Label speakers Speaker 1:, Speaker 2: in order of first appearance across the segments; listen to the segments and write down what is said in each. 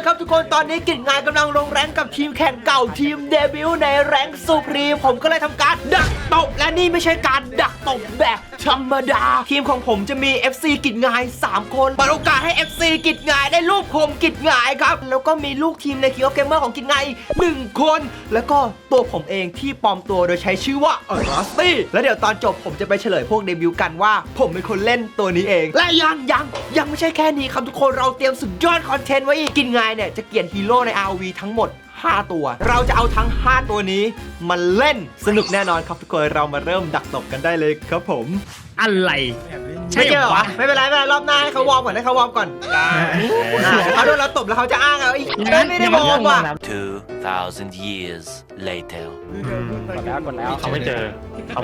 Speaker 1: เลยครับทุกคนตอนนี้กิจงานกำลังลงแรงกับทีมแข่งเก่าทีมเดบิวต์ในแรงซูพรีมผมก็เลยทำการดักตบและนี่ไม่ใช่การดักตบแบบธรรมดาทีมของผมจะมี FC กิจงาย3คนเปิดโอกาสให้ FC กิจงายได้รูปผมกิจงายครับแล้วก็มีลูกทีมในคิวเกมเมอร์ของกิจงาย1คนแล้วก็ตัวผมเองที่ปลอมตัวโดยใช้ชื่อว่ารัสตี้แล้วเดี๋ยวตอนจบผมจะไปเฉลยพวกเดบิวต์กันว่าผมเป็นคนเล่นตัวนี้เองและยังไม่ใช่แค่นี้ครับทุกคนเราเตรียมสุดยอดคอนเทนต์ไว้อีกกินงายเนี่ยจะเกลี่ยนฮีโร่ใน ROV ทั้งหมด5ตัวเราจะเอาทั้ง5ตัวนี้มาเล่นสนุกแน่นอนครับทุกคนเรามาเริ่มดักตบกันได้เลยครับผม
Speaker 2: อะไร
Speaker 1: ไม่เจอเหรอไม่เป็นไรรอบหน้าให้เขาวอร์มก่อนให้เขาวอร์มก่อนเขาโดนเราตบแล้วเขาจะอ้างเอาอีกไม่ได้วอร์มว่ะ
Speaker 3: 2,000 years later
Speaker 4: กดแล้วเขาไม่เจอ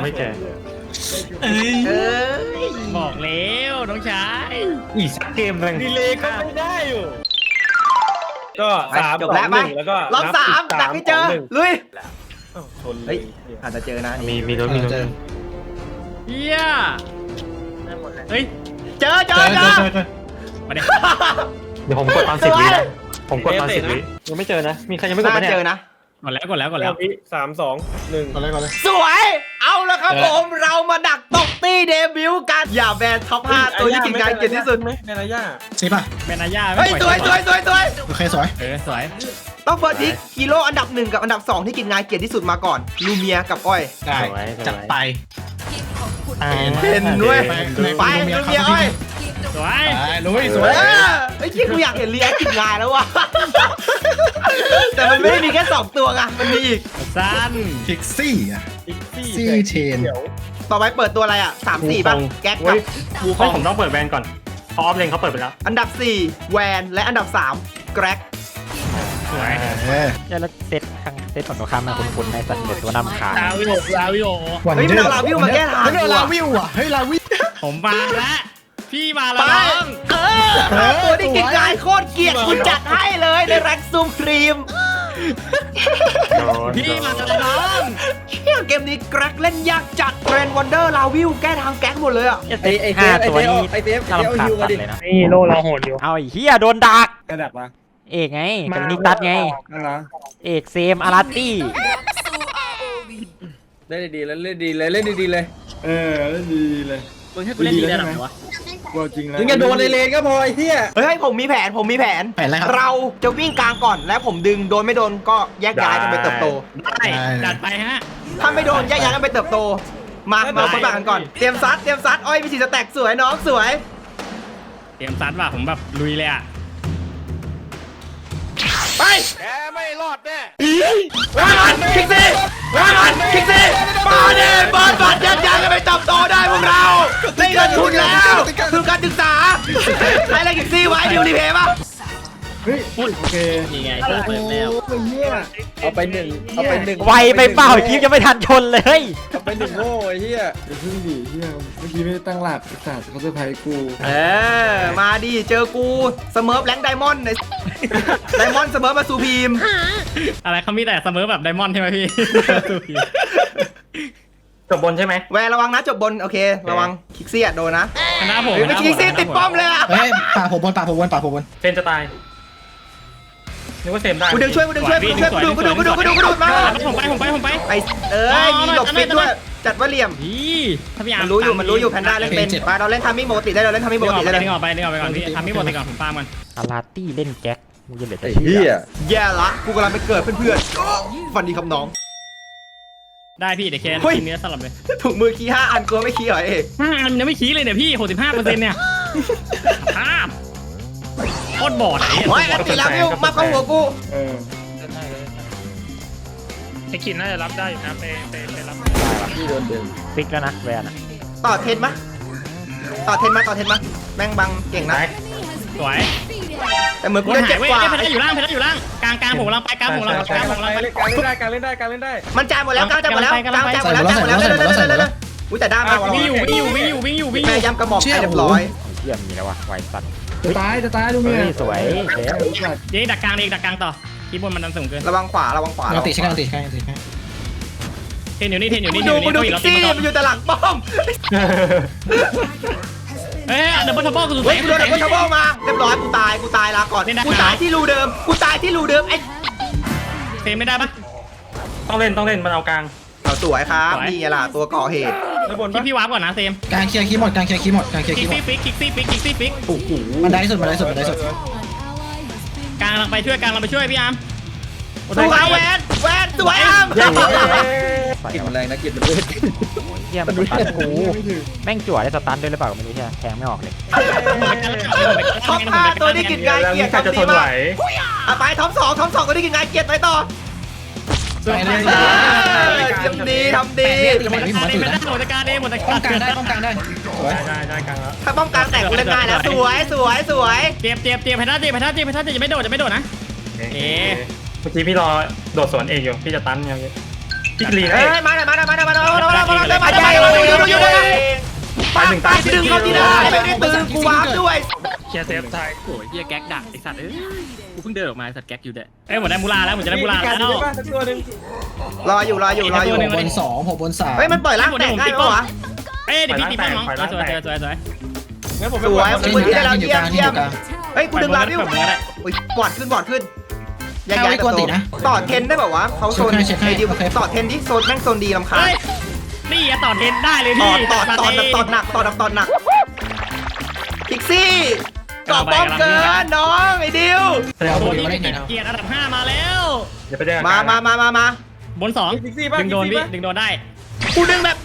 Speaker 2: บอกแล้วน้องชาย
Speaker 4: อีกสักเกมนึง
Speaker 5: ดีเลยก็ไม่ได้อยู่ก็3
Speaker 1: จบแล้วไป
Speaker 5: 2 1แล้วก็
Speaker 1: รอบ3ดักให้เจอลุย
Speaker 5: ชนเล
Speaker 1: เฮ้
Speaker 5: ย
Speaker 1: ยอาจจะเจอนะ
Speaker 4: มีรถ
Speaker 2: เฮียเฮ้ย
Speaker 1: เจอ
Speaker 2: มาดิ
Speaker 4: เดี๋ยวผมกดตอน10 วินะผมกดตอน10 วิยังไม่เจอนะมีใครยังไม่กด
Speaker 1: น่า
Speaker 4: ปะเนี่ย
Speaker 1: เจอนะ
Speaker 2: กดแล้ว
Speaker 5: วิ3 2 1
Speaker 4: ก่อนเลย
Speaker 1: สวยเอาแล้วครับผมเรามาดักตบตี้เดบิวต์กันอย่าแบนท็อป5ตัวที่กินงานเก่งที่สุด
Speaker 5: ไหมเมนายา
Speaker 6: ใช่ป่ะ
Speaker 2: เมนาย่า
Speaker 1: เฮ้ยสวย
Speaker 6: โอเคสวย
Speaker 2: สวย
Speaker 1: ต้องเฟิร์สพิกฮีโร่อันดับ1กับอันดับ2ที่กินงานเกียรติที่สุดมาก่อนลูเมียกับอ้อย
Speaker 6: ได้จัดไป
Speaker 1: เห็นด้วยไปลูเมียอ้อย
Speaker 2: สวย
Speaker 6: ไปลุยสวย
Speaker 1: ไอ้ที่กูอยากเห็นรีแอคกินงานแล้วว่ะแต่มันไม่ได้มีแค่2ตัวไงมันมีอีก
Speaker 2: สั้น
Speaker 6: พิกซี่อ่ะ
Speaker 5: อีกซี่
Speaker 6: ซี่เชน
Speaker 1: ต่อไปเปิดตัวอะไรอ่ะ3-4ป่ะแก๊กกับวูค
Speaker 4: เฮ้
Speaker 1: อย ง
Speaker 4: ผมต้องเปิดแบนก่อนพอออฟเลนเขาเปิดไปแล้ว
Speaker 1: อันดับ4แวนและอันดับ3แกร็ก
Speaker 2: สวย
Speaker 7: แล้วเซตของตัวข้ามมาคุ้นๆในสัตว์เด็ดตัวนำขา
Speaker 2: ลาวิโอ
Speaker 1: เฮ้ยมันเอาลาวิวมาแก้ทาง
Speaker 6: เฮ้ยลาวิวอ่ะเฮ้ยลาวิว
Speaker 2: ผมมาแล้วพี่มาแล้ว
Speaker 1: ไป
Speaker 2: น้อง
Speaker 1: ตัวที่กินงานโคตรเกลียดคุณจัดให้เลยในแร็กซูมครีม
Speaker 2: พี่มาแล้วน้อง
Speaker 1: เชี่ยเกมนี้แกร็กเล่นยากจัดเทรนวันเดอร์ลาวิวแก้ทางแก๊กหมดเลยอ่ะ
Speaker 7: ห้าตัวนี้น่ารำคาญสัตว์เลยนะ
Speaker 2: นี่โลเราโหดอยู่
Speaker 7: เอาไอ้เฮียโดนดัก
Speaker 5: กระดับมา
Speaker 7: เอกไงกับนิกตัดไง
Speaker 5: นั่นนะ
Speaker 7: เอกเซมอาราตี้
Speaker 5: เล่นดีเลยเล่นดีเลยเล่นดีเลยเล่นดีเลย
Speaker 2: มึงให้กูเล่นดีได้หรอวะ
Speaker 5: ว่าจริงแล้วมึงอย่าโดนในเลนก็พอไอ้เหี้ย
Speaker 1: เฮ้ยผมมีแผน
Speaker 6: แผนอะไรครับ
Speaker 1: เราจะวิ่งกลางก่อนแล้วผมดึงโดนไม่โดนก็แยกย้ายกันไปเติบโต
Speaker 2: ได้จัดไปฮะ
Speaker 1: ถ้าไม่โดนแยกย้ายกันไปเติบโต มาคนบ้ากันก่อนเตรียมซัดอ้อยมีสีสแต็กสวยน้องสวย
Speaker 2: เตรียมซัดว่ะผมแบบลุยเลยอ่ะ
Speaker 1: ไปแกไม่รอดแน่ว้ามันคิกซี่มาเน่เปิดบัตรยัดยันกันไปเติบโตได้พวกเราได้เงินทุนแล้วคือการศึกษาใช้อะไรคิกซี่ไว้ดิวรีเพย์ป่ะ
Speaker 5: เฮ้ยโอเค
Speaker 2: นี่ไงเปิดแล้ว
Speaker 5: ไอ้เหี้ยเอาไปหนึ่ง
Speaker 7: ไวไปเปล่าคลิปยังไม่ทันชนเลย
Speaker 5: เอาไป1โง่ไอ้เหี้ยอย่าพึ่งดิเหี้ยเมื่อกี้ไม่ได้ตั้งหลักไอ้สัตว์เขาเซอร์ไพรส์กู
Speaker 1: มาดิเจอกูเสมอแรงไดมอนด์ไดมอนด์เสมอมาสู่พีม
Speaker 2: อะไรเขามีแต่เสมอแบบไดมอนด์ใช่ไหมพี่
Speaker 4: จบบนใช่ไหม
Speaker 1: แวร์ระวังนะจบบนโอเคระวังคิกซี่โดนนะ
Speaker 2: คณะผม
Speaker 1: ไม่คิกซี่ติดป้อมเลยอ่ะ
Speaker 6: เฮ้ยป่าผมบน
Speaker 4: เซนจะตายนึกว่าเซมได้
Speaker 1: กูดึงช่วยกูดูมา
Speaker 2: ผมไป
Speaker 1: ไอมีหลบฟิตด้วยจัดว่าเหลี่ยม
Speaker 2: พี่ถ้าพี่อา
Speaker 1: มันรู้อยู่แพนด้าเล่นเป็นไปเราเล่นทามิ่งปกติได้เราเล่นทามิ่งปกติได้เลย
Speaker 2: นึกออกไปก่อนพี่ทำให้หมดไปก่อนผมฟาร์มก่อน
Speaker 7: อาราตี้เล่นแจ็คมึงจะเหลือแต่
Speaker 5: ไอ้
Speaker 7: ชื่
Speaker 5: เหี้ย
Speaker 1: แย่ละกูกำลังไปเกิดเพื่อนๆฟันดีคำน้อง
Speaker 2: ได้พี่เดี๋ยวเคนกินเนื้อสลับเลย
Speaker 1: ถุงมือคี5 อันกลัวไม่คีเหรอเอก
Speaker 2: มันยังไม่ขี้เลยเนี่ยพี่ 65%เนี่ยภาพโคตรบอด
Speaker 1: โอ้ยอันตีแล้ววิวมาเข้าหัวกู
Speaker 2: ไอ้กินน่าจะรับได้อยู่นะไปรับ
Speaker 5: พี่โดนเดิน
Speaker 7: ฟิกแล้วนะแวนอะ
Speaker 1: ต่อเทนมะแม่งบังเก่งนะ
Speaker 2: สวย
Speaker 1: แต่เหมือนกู
Speaker 2: บน
Speaker 1: จะ
Speaker 2: หา
Speaker 1: เจ็
Speaker 2: ย
Speaker 1: บ
Speaker 2: เว้ย
Speaker 1: กว่า
Speaker 2: เพชรอยู่ล่างกลางผมกำลังไป
Speaker 5: การเล่นได้
Speaker 1: มันจ่ายหมดแล้วกลางจ่ายหมดแล้วอุ้ยแต่ด้ามา
Speaker 2: วิ่งอยู่
Speaker 1: แม่ย้ำกระหม่อมให้เรียบร้อย
Speaker 7: เยี่ยมมีแล้ววะไวสัตว์
Speaker 5: จะตายดูเมีย
Speaker 7: สวยเซม
Speaker 2: เดี๋ยวดักกลางต่อคีบนมันดันสูงเกิน
Speaker 1: ระวังขวา
Speaker 6: เราติดใช่ไหม
Speaker 2: เทนอยู่นี่
Speaker 1: ดูคิกซี่มันอยู่แต่หลังป้อม
Speaker 2: เอ้ยเดี๋ยวบอลทับเบิลกูสุด
Speaker 1: เฮ้ยกูโดนไอ้คนทับเบิลมาเรียบร้อยกูตายลาก่อน
Speaker 2: ไม่ได้
Speaker 1: กูตายที่รูเดิมไอ้
Speaker 2: เซมไม่ได้ปะ
Speaker 4: ต้องเล่นมันเอากลาง
Speaker 1: เอาสวยครับ
Speaker 2: สวย
Speaker 1: นี่ไงล่ะตัวก่อเหตุ
Speaker 4: แล้วบน
Speaker 2: พี่วาร์ปก่อนนะเซม
Speaker 6: การเคลียร์คีย์หมดการเคลียร์คีย์หมดการเคลียร์
Speaker 2: คิ
Speaker 6: คี
Speaker 2: ก
Speaker 6: ย์หม
Speaker 2: ซี่
Speaker 6: ด
Speaker 2: ฟิกคิกซี่ฟิก
Speaker 1: โอ้โห
Speaker 6: มันได้สุดมันได้สุดมันได้สุด
Speaker 2: กลางเราไปช่วยพี่อาร์ม
Speaker 1: สวยแวนสวยอ้าม
Speaker 5: กินแรงนะกินมันด้วย
Speaker 7: เฮียมันสตันกูแม่งจั่วได้สตันด้วยหรือเปล่าก็ไม่รู้ใช่แทงไม่ออกเลย
Speaker 1: ท็อป5ตัวนี้กินงาน
Speaker 4: แล้ว
Speaker 1: เกีย
Speaker 4: มี
Speaker 1: รติ
Speaker 4: ใครจะ
Speaker 1: ทำ
Speaker 4: ท
Speaker 1: ดี
Speaker 4: นไหว
Speaker 1: มากไปท็อป2ตัวนี้กินงานเกียรติไปต่อ
Speaker 6: ไปเลย
Speaker 1: ทำดี
Speaker 6: ทำไมพี่ผมมาตื่นนะ
Speaker 2: หมดการเองหมด
Speaker 6: ป้องกันได้ป้องกันได้สวย
Speaker 4: ได้กลางแล้ว
Speaker 1: ถ้าป้องกันแตกกูเล่นได้แล้วสวย
Speaker 2: เตรียมแพนด้าจะไม่โดดนะ
Speaker 4: เมื่อกี้พี่รอโดดสวนเอกอยู่พี่จะตันอย่างนี้พี่ลีนะ
Speaker 1: เฮ้ยมาไปดึงเขาที่ได้ไม่ได้ตื่นกูวาร์ปด้วย
Speaker 4: เคลียร์เซฟไทย
Speaker 8: โอ้ยเฮียแก๊กดักไอสัตว์เอ้ยกูเพิ่งเดินออกมาไอสัตว์แก๊กอยู่เด้อ
Speaker 2: เอ้ยหมดได้มูลาแล้วแล้ว
Speaker 1: รออยู่
Speaker 6: ผมบนสองผมบนสาม
Speaker 1: เฮ้ยมันปล่อยล่างแตกง่ายปะวะ
Speaker 2: เอ้ยเดี๋ยวพี่ตีป้อมน้องสวย
Speaker 4: งั้นผม
Speaker 1: สวย
Speaker 6: ที่
Speaker 1: มือ
Speaker 6: อยู่
Speaker 1: ที่
Speaker 6: ก
Speaker 1: ได้
Speaker 6: ลาง
Speaker 1: เรา
Speaker 6: ที่อยู่
Speaker 1: เยี่
Speaker 6: ก
Speaker 1: ย
Speaker 6: ลาม งที่
Speaker 1: เยี่
Speaker 6: อย
Speaker 1: ม
Speaker 6: ยู่กลาง
Speaker 1: เฮ้ยกูดึงลาวิวบอดขึ้นย้ายต่อเทนได้แบบว่าเขาโซนไอ้ดิวต่อเทนที่โซนแม่งโซนดีลำคาญ
Speaker 2: เฮ้ยนี่ต่อเทนได้เลย
Speaker 1: ต่
Speaker 2: พี่
Speaker 1: อหนักพิกซี่ก่อป้อมเกินน้องไอ้ดิว
Speaker 6: เอา
Speaker 2: โด
Speaker 6: บ
Speaker 2: น
Speaker 6: น
Speaker 2: ที่
Speaker 6: มาเล่นหน่อยนะ
Speaker 2: เกียร์อันดับ5มาแล้ว
Speaker 4: อย่าไปแดง
Speaker 1: มา
Speaker 2: บน2ดึงโดนพี่ดึงโดนได้
Speaker 1: กูดึงแบบ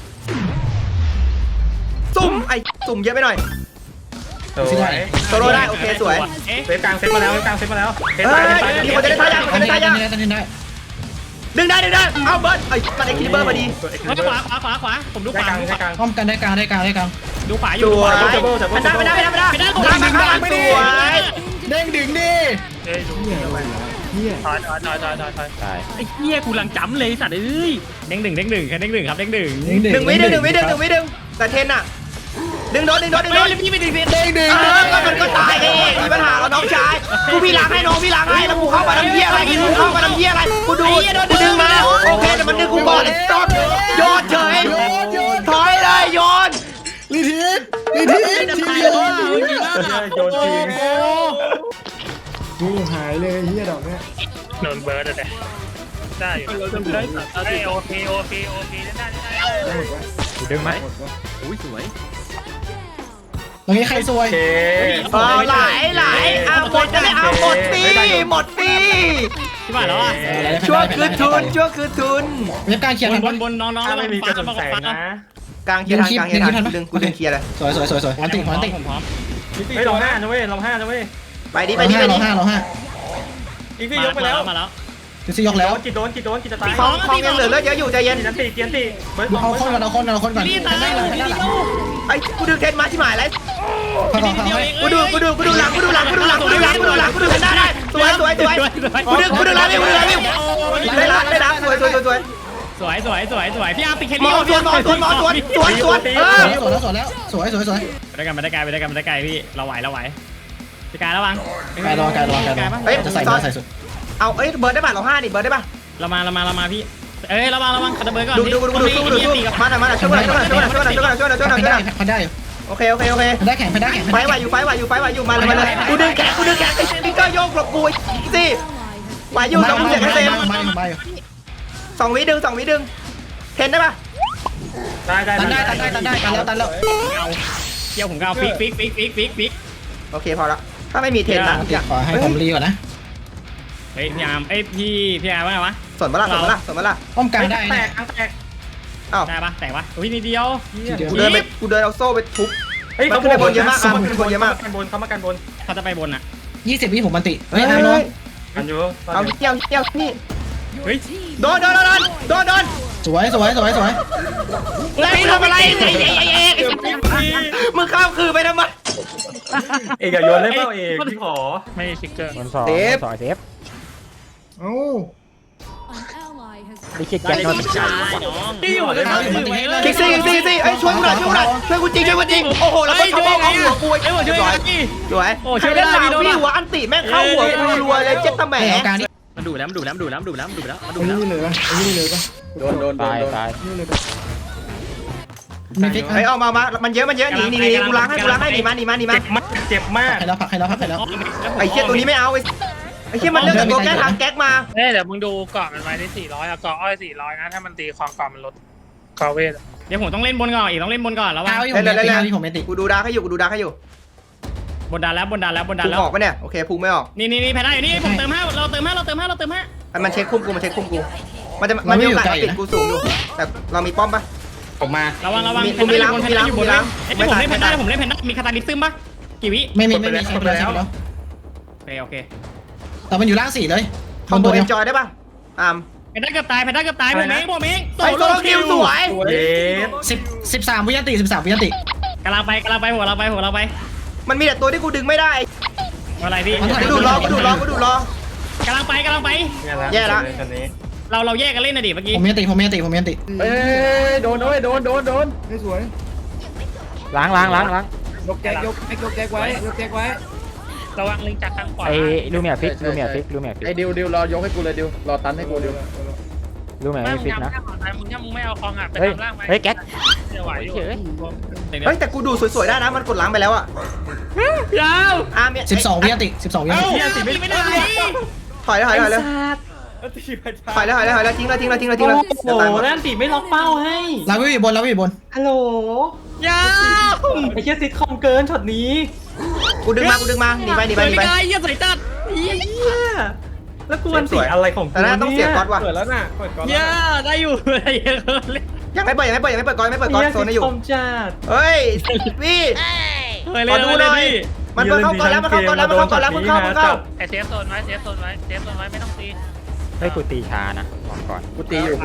Speaker 1: ซุ่มไอ้ซุ่มเยอะไปหน่อย
Speaker 4: สวย
Speaker 1: โซโล่ได้โอเคสวย
Speaker 2: เอ๊ะ
Speaker 4: เซฟกลางเซฟมาแล้วเซฟมาแล้วเซฟ
Speaker 1: เฮ้
Speaker 4: ตาย
Speaker 1: ยมีคนจะได้ท่ายาก
Speaker 6: ตันได้ตันได้ตันได้
Speaker 1: ดึงได้เอาเบิร์ดไอ้มันไอ้คิปเปอร์พอดี
Speaker 2: ขวาผมดูข
Speaker 4: ได้
Speaker 2: วาก
Speaker 4: ลางได้กลาง
Speaker 6: ป้องกันได้กลางได้กลางได้กลาง
Speaker 2: ดูขวาอ
Speaker 1: ส
Speaker 2: ยู่
Speaker 1: วย
Speaker 4: จับเบิ้ล
Speaker 1: ไม่ได้สวย
Speaker 6: เด้งดึงดิ
Speaker 4: เฮ้ยดูถอย
Speaker 7: ตาย
Speaker 8: ไอ้เฮียกูหลังจำเลยไอ้สัตว์เอ้ย
Speaker 2: เด้งหนึ่งครับเด้งหนึ่ง
Speaker 1: หนึ่งวิดึงแต่เทนอะดึงโดน
Speaker 2: เฮ้ยพี่ไม่ดึง
Speaker 6: เด้งดึง
Speaker 1: ก็มันก็ตายเองมีปัญหาแล้วน้องชายกูพี่ล้างให้น้องพี่ล้างให้แล้วกูเข้ามาทำเหี้ยอะไรกูดึงมาโอเคแต่มันดึงกูก่อนไอ้ต๊อกโยนเฉยถอยเลยโยน
Speaker 6: ลีทิสทีเดียว
Speaker 4: โยนจริง
Speaker 5: นี่หายเลยเฮียดอกเนี้ย
Speaker 4: โดนเบิร์ดเลยได้อยู่โอเคได้
Speaker 7: กูดึงไหม
Speaker 8: อุ้ยสวย
Speaker 6: ตรงนี้ใครซวย
Speaker 4: โอเค
Speaker 1: ไหลหมดจะได้เอาหมดฟรี
Speaker 2: ที่บ้านแล้วอ่ะ
Speaker 1: ชั่วคือทุน
Speaker 6: เว็บการเคลียร์ทัน
Speaker 2: บนน้อง
Speaker 4: ถ้าไม่มีกระสุนแสงนะ
Speaker 1: กลางเคลียร์ทันกูดึงเคลียร์เลย
Speaker 6: สวยวันติ
Speaker 2: ผมพร้อม
Speaker 4: เฮ้ยลง5นะเว้ยลง5นะเว้ย
Speaker 1: ไปดิ
Speaker 6: เราห้า
Speaker 4: อีกพี่ยกไปแล้ว
Speaker 2: มาแล้ว
Speaker 6: คือซี่ยกแล้ว
Speaker 4: กินโดนจะตาย
Speaker 1: คลองยังเหลือเลือดเยอะอยู่ใจเย็น
Speaker 4: เกียนตีเบิร์ด
Speaker 6: เอาคนก่อนก่อน
Speaker 2: นี่ตาย
Speaker 6: ได้หลังได้หลัง
Speaker 1: ไอ้กูดึงเทนมาที่หมายแล้ว
Speaker 6: เข้าให้
Speaker 1: กูดูหลังกูดูหได้สวยกูดึงหลังวิวได้ละสวย
Speaker 2: สวยพี่อาร์มติดแค
Speaker 1: หม
Speaker 2: รี่
Speaker 1: อสวนสวน
Speaker 6: แล้วสวย
Speaker 2: ไปได้ไกลพี่เราไหวพี่กายระวัง
Speaker 6: การระวังจะใส่สุด
Speaker 1: เอาเอ้ยเบิร์ดได้ป่ะเรา5ดิเบิร์ดได้ป่ะ
Speaker 2: เรามาพี่เอ้ยระวังคาร์เบิร์ก่อน
Speaker 1: ดูมาช่วยหน่อย
Speaker 6: พันได้
Speaker 1: โอเค
Speaker 6: พันได้แข่ง
Speaker 1: ไฟไหวอยู่มาเลยกูดึงแขนไอ้สติ๊กเกอร์โยกหลบกูสิไหวอยู่ต้องเสียงเต็ม2 วิดึงเทนได้ป่ะ
Speaker 4: ได้
Speaker 6: ตันแล้ว
Speaker 2: เกี่ยวผมก็เอาฟิก
Speaker 1: โอเคพอละถ้าไม่มีเทนนะ
Speaker 6: ขอให้ผมรีก่อนนะ
Speaker 2: เฮ้ยพี่อาร์มพี่อาร์มว่าไงวะ
Speaker 1: สนมาละ
Speaker 6: ป้องกันได้
Speaker 4: แต
Speaker 6: นะ
Speaker 4: ก
Speaker 1: อ้าว
Speaker 2: ได้ปะแตกปะอุ้ยนิดเดียว
Speaker 1: กูเดินเอาโซ่ไปทุบ
Speaker 4: เฮ้ยเขามากันบน
Speaker 2: เขาจะไปบนอ่ะ
Speaker 6: 20 วิผมมันติ
Speaker 1: เฮ้ย
Speaker 4: กันอยู่
Speaker 1: เอาเกี่ยวนี่
Speaker 2: เฮ้ย
Speaker 1: โดน
Speaker 6: สวย
Speaker 1: แล้วทำอะไรมึงข้ามคือไปทำไม
Speaker 4: เอกอย่าโยนเล่นเปล่าเอกพี่ขอ
Speaker 2: ไม่ฟิกเกอร์
Speaker 7: บน2 เซฟ
Speaker 5: เอ้า
Speaker 7: ดิคิดแจ็คมันเป็นไก่
Speaker 2: น้อง
Speaker 8: ที่อยู่เลยครับ
Speaker 1: คิกซี่ไอ้ช่วยกูหน่อยช่วยกูจริงโอ้โหแล้วก็ชาวบ้านเอาหัวกู
Speaker 2: ไอ้หมดช่วยกันพี่
Speaker 1: สวยใครเล่นลาวพี่หัวอันติแม่งเข้าหัวกูรัวเลยเจ็ดตะแหม
Speaker 6: การนี้
Speaker 8: มันดูแล้ว
Speaker 5: ไอ้นี่เลยปะ
Speaker 7: ตาย
Speaker 5: นี่เลยปะ
Speaker 6: มีฟิก
Speaker 1: เฮ้ยออกมามันเยอะหนีกูล้างให้หนีมา
Speaker 4: เจ็บมาก
Speaker 6: ใครแล้วผักใครแล้วผักใครแล้ว
Speaker 1: ไอ้เชี่ยตัวนี้ไม่เอาไอ้เชี่ยมันเลือกแต่ตัวแก้ทางแก๊กมา
Speaker 4: เดี๋ยวมึงดูเกาะมันไว้ได้400อะเกาะอ้อย400นะถ้ามันตีความเกาะมันลดเกาะเวท
Speaker 2: เดี๋ยวผมต้องเล่นบนก่อนอีกต้องเล่นบนก่อนแล้วว่า
Speaker 6: เอาอยู่ผมไม่ติ
Speaker 1: กูดูดาร์กให้อยู่
Speaker 2: บนดันแล้ว
Speaker 1: พุ่งออกปะเนี่ยโอเคพุ่งไม่ออก
Speaker 2: นี่แพ้ได้อยู่นี่ผมเติม5เราเติม5
Speaker 1: มันเช็คคุมกูมันมีโอกาสติดกูสูงอยู่แต่เรามีป้อมปะ
Speaker 8: ผมมา
Speaker 2: ระวัง
Speaker 1: มี
Speaker 2: แพนด้าอยู่บน
Speaker 1: มี
Speaker 2: แพนด้าอยู่บน
Speaker 1: ล้าง
Speaker 2: ผมเล่นแพนด้ามีคาตาลิซึมปะกี่วิ
Speaker 6: ไม่มีเช็คไปแล้ว
Speaker 2: โอเค
Speaker 6: แต่มันอยู่ล่าง4เลย
Speaker 1: คอมโบเอ็นจอยได้ปะ
Speaker 2: แพนด้าเกือบตายผมเอง
Speaker 1: ไอ้โซโลคิวสวย
Speaker 4: เย้
Speaker 6: 13วินาที13วินาที
Speaker 2: กำลังไปหัวเราไป
Speaker 1: มันมีแต่ตัวที่กูดึงไม่ได้
Speaker 2: อะไรพี่
Speaker 1: กูดูดรอก
Speaker 2: ำลังไป
Speaker 1: แย่ละ
Speaker 2: เราแยกกันเล่นนะดิเมื่อกี้
Speaker 6: ผมไม่ติ
Speaker 5: เอ้ยโดนไม่สวย
Speaker 7: ล้าง
Speaker 5: ยกแก๊กไว้
Speaker 4: ระวังลิงจากทางขวา
Speaker 7: ไอ้ลูเมียฟิก
Speaker 5: ไอ้ดิวรอยกให้กูเลยดิวรอตันให้กูดิว
Speaker 7: ลูเมีย
Speaker 4: ไม่
Speaker 7: ไม่
Speaker 4: มึง
Speaker 7: ฟิก
Speaker 4: ทำ
Speaker 7: นะ
Speaker 4: ข้างของมึงถ้ามึงไม่เอาคองอ่ะไป
Speaker 7: เฮ้ย
Speaker 4: ทำล่างไหม
Speaker 7: เฮ้ยแก๊ก
Speaker 4: จะไหวอยู่
Speaker 1: เฮ้ยแต่กูดูสวยๆได้นะมันกดล้างไปแล้วอะ
Speaker 2: ยาว
Speaker 1: เนี่ย
Speaker 6: 12วินาที12วินาที
Speaker 2: ไม่ได้
Speaker 1: ถอยแล้วทิ้งแล้ว
Speaker 9: โอ้โหนั่นติไม่ล็อกเป้าให้
Speaker 6: เราอยู่บน
Speaker 9: ฮัลโหล
Speaker 2: ยาว
Speaker 9: ไอ้เชี่ยซิทคอมเกินช็อตนี้
Speaker 1: กูดึงมาหนีไป
Speaker 2: ไม่ได้ยังใส่จัด
Speaker 9: เหี้ยแล้วกูมันติอะไรของกู
Speaker 1: แต่น่าต้องเสียก๊อตว่ะ
Speaker 5: เปิดแล้วน่ะเปิดก่อน
Speaker 2: ย่าได้อยู่อะไรเยอะเลย
Speaker 1: ยังไม่เปิดก๊อตโซนให้อยู่
Speaker 9: คอมจัด
Speaker 1: เฮ้ยพี่
Speaker 2: ขอดูหน่อย
Speaker 1: มันเข้าก่อนแล้วมึงเข้า
Speaker 4: ไอเซฟโซนไว้ไม่ต้องตี
Speaker 7: เฮ้ยกูตีช้านะบอกก่อน
Speaker 5: กูตีอยู่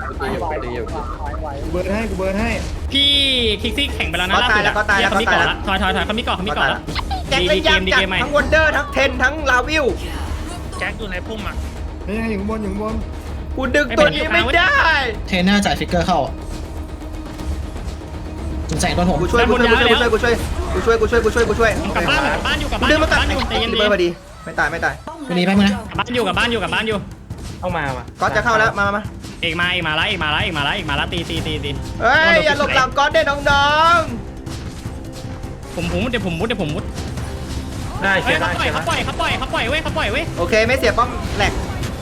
Speaker 5: กูเบิร์นให้
Speaker 2: พี่คิกซี่แข่งไปแล้วนะล่าสุดเขามีเกาะละถอยเขามีเกาะแล้ว
Speaker 1: แจ็คเล่นยากจัดทั้งวันเดอร์ทั้งเทนทั้งลาวิว
Speaker 4: แจ็คอยู่ในพุ่มอ่ะ
Speaker 5: นี่อยู่ข้างบน
Speaker 1: กูดึงตัวนี้ไม่ได้
Speaker 6: เทรนเนอร์จ่ายฟิกเกอร์เข้าจุดแสงโดนผม
Speaker 1: กูช่วย
Speaker 2: กลับบ้านอยู่
Speaker 1: ดึงมาตัด
Speaker 2: ใจเย็น
Speaker 1: เบอร์พอดีไม่ตาย
Speaker 6: วันนี้ไปมึงนะ
Speaker 2: บ้านอยู่
Speaker 5: เข้ามา
Speaker 1: ก๊อตจะเข้าแล้วมา
Speaker 2: เอกมาแล้วตี
Speaker 1: เฮ้ยอย่าหลบหลังก๊อตได้น้อง
Speaker 2: ผมมุดได้เชียร์ได้เขาปล่อยเว้ย
Speaker 1: โอเคไม่เสียป้อมแหลก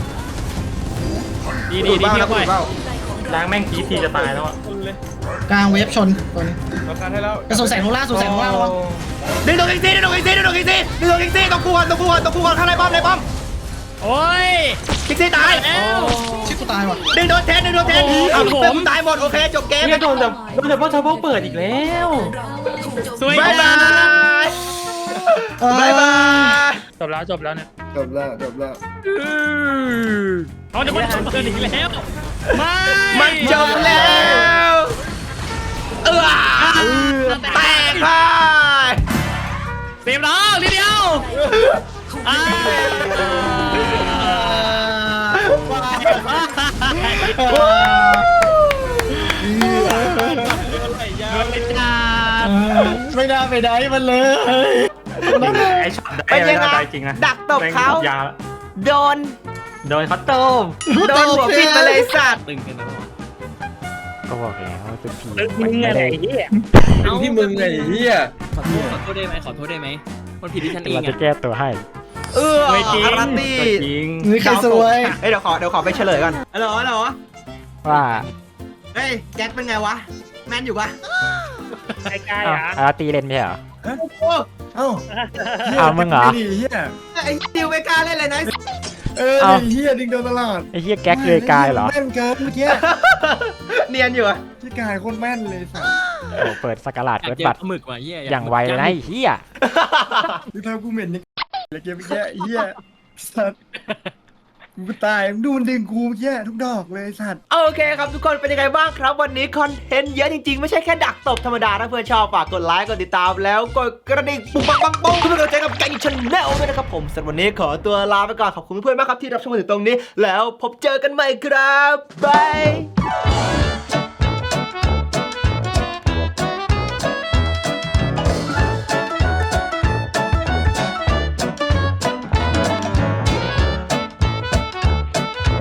Speaker 2: ดี
Speaker 1: ดูบ้าง
Speaker 2: พี่
Speaker 1: แล้ว
Speaker 2: ปล่อย
Speaker 1: ดูบ้าง
Speaker 9: ล้างแม่งทีจะตายแล้วอ่ะ
Speaker 6: กลางเวฟชนตัวนี้
Speaker 5: เราตันให้แล้ว
Speaker 6: กระสุนแสงโนล่าระวัง
Speaker 1: ดึงตัวอีกทีต้องกูก่อนข้างในป้อม
Speaker 2: โอ้ย
Speaker 1: คิกซี่ตาย
Speaker 2: แล้ว
Speaker 6: ชิบกูตายว่ะ
Speaker 1: ดึงโดนเทนเอาผมตายหมดโอเคจบเกม
Speaker 9: เนี่ยโดนแต่พ่อชาวบ้านเปิดอีกแล้ว
Speaker 2: สวย
Speaker 1: บาย
Speaker 4: จบแล้วเนี่ย
Speaker 5: จบแล้ว
Speaker 2: เขาจะมาเปิดอีกแล้วไม่
Speaker 1: มันจบแล้วแตกไป
Speaker 2: เซฟน้องนิดเดียว
Speaker 6: ไม่ได้มันเลย
Speaker 9: ไอ้ช็อต
Speaker 1: เป็นยังไง
Speaker 9: จริงนะ
Speaker 1: ดักตบเขา
Speaker 9: ยา
Speaker 1: โดน
Speaker 9: โดนเขาต้ม
Speaker 1: โดนหัวปิดมาเลยสัตว์
Speaker 8: ตึงกันแล้ว
Speaker 7: ก็บอกแล้วว่าเป็นผี
Speaker 4: มึงอะไรเหี้ย
Speaker 5: ที่มึงไงเฮีย
Speaker 8: ขอโทษได้ไหมมันผิดที่ฉันเอง
Speaker 7: เราจะ
Speaker 8: อ่ะ
Speaker 7: แก้ตัวให้
Speaker 1: อาราตี้
Speaker 9: จริง
Speaker 6: นี่ใครสวย
Speaker 1: เดี๋ยวขอไปเฉลยก่อนฮัลโหล
Speaker 7: ว่า
Speaker 1: เฮ้ยแจ็คเป็นไงวะแมนอยู่ปะ
Speaker 4: ไอ้กายอ่ะ
Speaker 7: อาตีเล่นไม่ใช่เหรอ
Speaker 5: เอ้า
Speaker 7: เอามึงเหรอ
Speaker 5: เฮีย
Speaker 1: ไอ้ดิวไม่กล้าเล่นเลยนะ
Speaker 5: เฮียดิงโดนตลอด
Speaker 7: ไอ้เหี้ยแก๊กเลยกายเหรอ
Speaker 5: แม่นเกินเมื่อกี้
Speaker 1: เนียนอยู่อะ
Speaker 5: ที่กายโคตรแม่นเลยสัส
Speaker 7: โอ้เปิดสกาลาด
Speaker 8: อยาก
Speaker 7: เปิด
Speaker 8: เจอ
Speaker 7: บัตร
Speaker 8: ปลาหมึกว่ะเฮีย
Speaker 7: อย่างไวเลยนะไอ้เหี้ย
Speaker 5: ดูเท้ากูเหม็นยังเลยเกมเมื่อกี้เฮียสัสกูก็ตายดูมันดึงกูเมื่อกี้ทุกดอกเลยสัส
Speaker 1: โอเคครับทุกคนเป็นยังไงบ้างครับวันนี้คอนเทนต์เยอะจริงๆไม่ใช่แค่ดักตบธรรมดาถ้าเพื่อนชอบฝากกดไลค์กดติดตามแล้วกดกระดิ่งปุ๊บปังปุ้งเพื่อเป็นกำลังใจกับแกงชาแนลด้วยนะครับผมสำหรับวันนี้ขอตัวลาไปก่อนขอบคุณเพื่อนๆมากครับที่รับชมมาถึงตรงนี้แล้วพบเจอกันใหม่ครับบาย